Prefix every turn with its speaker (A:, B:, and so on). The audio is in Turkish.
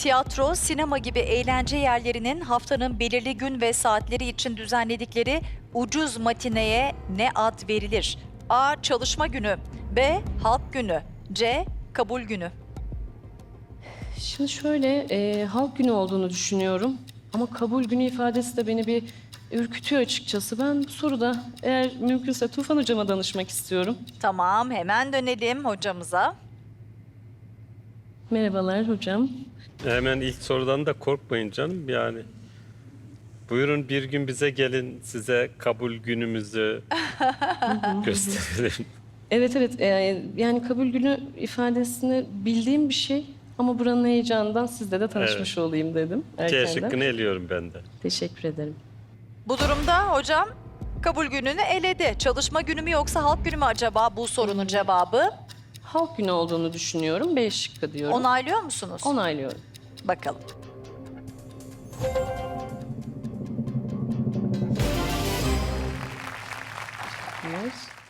A: Tiyatro, sinema gibi eğlence yerlerinin haftanın belirli gün ve saatleri için düzenledikleri ucuz matineye ne ad verilir? A. Çalışma günü. B. Halk günü. C. Kabul günü.
B: Şimdi şöyle, halk günü olduğunu düşünüyorum. Ama kabul günü ifadesi de beni bir ürkütüyor açıkçası. Ben bu soruda eğer mümkünse Tufan Hocama danışmak istiyorum.
A: Tamam, hemen dönelim hocamıza.
B: Merhabalar hocam.
C: Hemen ilk sorudan da korkmayın canım yani. Buyurun bir gün bize gelin, size kabul günümüzü gösterelim.
B: Evet evet, yani kabul günü ifadesini bildiğim bir şey. Ama buranın heyecanından sizle de tanışmış olayım dedim
C: C
B: erkenden.
C: şıkkını eliyorum ben de.
B: Teşekkür ederim.
A: Bu durumda hocam kabul gününü eledi. Çalışma günü mü yoksa halk günü mü acaba bu sorunun cevabı?
B: Halk günü olduğunu düşünüyorum. B şıkkı diyorum.
A: Onaylıyor musunuz?
B: Onaylıyorum.
A: Bakalım.
B: Yes.